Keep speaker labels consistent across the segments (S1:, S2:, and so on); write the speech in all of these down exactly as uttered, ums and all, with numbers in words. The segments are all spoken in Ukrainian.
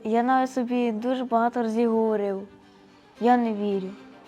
S1: Я навіть собі дуже багато разів говорив, я не вірю.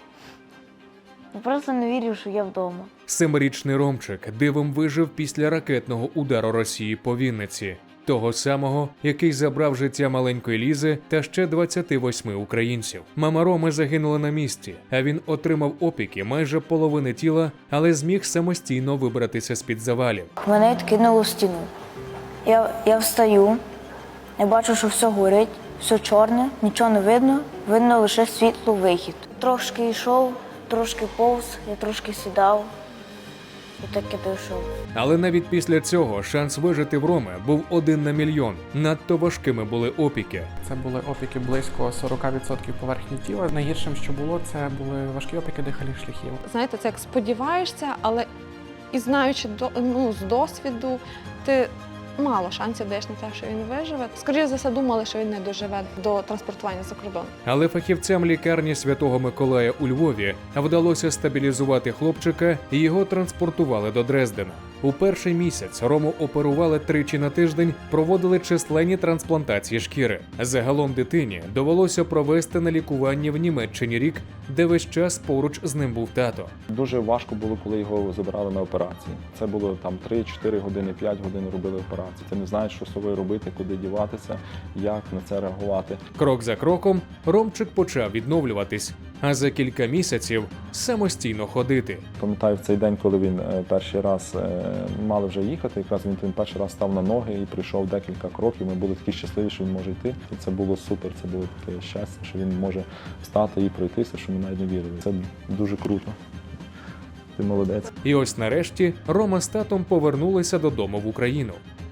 S1: Я просто не вірю, що я вдома.
S2: Семирічний Ромчик дивом вижив після ракетного удару Росії по Вінниці. Того самого, який забрав життя маленької Лізи та ще двадцяти восьми українців. Мама Роми загинула на місці, а він отримав опіки майже половини тіла, але зміг самостійно вибратися з-під завалів.
S1: Мене відкинуло в стіну. Я, я встаю, я бачу, що все горить, все чорне, нічого не видно, видно лише світло, вихід. Трошки йшов, трошки повз, я трошки сідав і так і дійшов.
S2: Але навіть після цього шанс вижити в Роми був один на мільйон. Надто важкими були опіки.
S3: Це були опіки близько сорок відсотків поверхні тіла. Найгіршим, що було, це були важкі опіки дихальних шляхів.
S4: Знаєте, це як сподіваєшся, але і знаючи до, ну, з досвіду, ти мало шансів даєш на те, що він виживе. Скоріше за все, думали, що він не доживе до транспортування за кордон.
S2: Але фахівцям лікарні Святого Миколая у Львові вдалося стабілізувати хлопчика і його транспортували до Дрездена. У перший місяць Рому оперували тричі на тиждень, проводили численні трансплантації шкіри. Загалом дитині довелося провести на лікуванні в Німеччині рік, де весь час поруч з ним був тато.
S5: Дуже важко було, коли його забирали на операції. Це було там три-чотири години, п'ять годин робили операції. Ти не знаєш, що з собою робити, куди діватися, як на це реагувати.
S2: Крок за кроком Ромчик почав відновлюватись, а за кілька місяців самостійно ходити.
S5: Пам'ятаю, в цей день, коли він перший раз мали вже їхати, якраз він, він перший раз став на ноги і прийшов декілька кроків. Ми були такі щасливі, що він може йти. І це було супер, це було таке щастя, що він може встати і пройтися, що ми навіть не вірили. Це дуже круто. Ти молодець.
S2: І ось нарешті Рома з татом повернулися додому в Україну.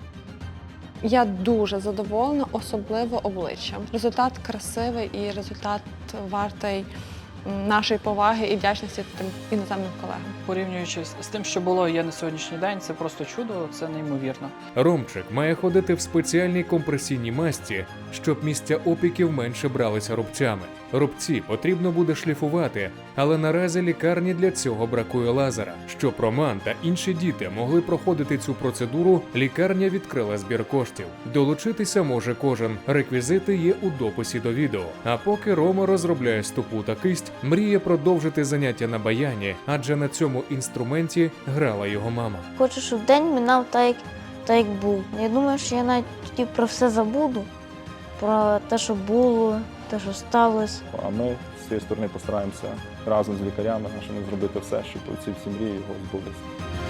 S4: Я дуже задоволена, особливо обличчям. Результат красивий і результат вартий нашої поваги і вдячності тим іноземним колегам.
S6: Порівнюючи з тим, що було є на сьогоднішній день, це просто чудо, це неймовірно.
S2: Ромчик має ходити в спеціальній компресійній масті, щоб місця опіків менше бралися рубцями. Рубці потрібно буде шліфувати, але наразі лікарні для цього бракує лазера. Щоб Роман та інші діти могли проходити цю процедуру, лікарня відкрила збір коштів. Долучитися може кожен. Реквізити є у дописі до відео. А поки Рома розробляє стопу та кисть, мріє продовжити заняття на баяні, адже на цьому інструменті грала його мама.
S1: Хочу, щоб день минав так, як, так, як був. Я думаю, що я навіть тоді про все забуду, про те, що було, те, що сталося.
S5: А ми з цієї сторони постараємося разом з лікарями нашими зробити все, щоб ці всі мрії його збулися.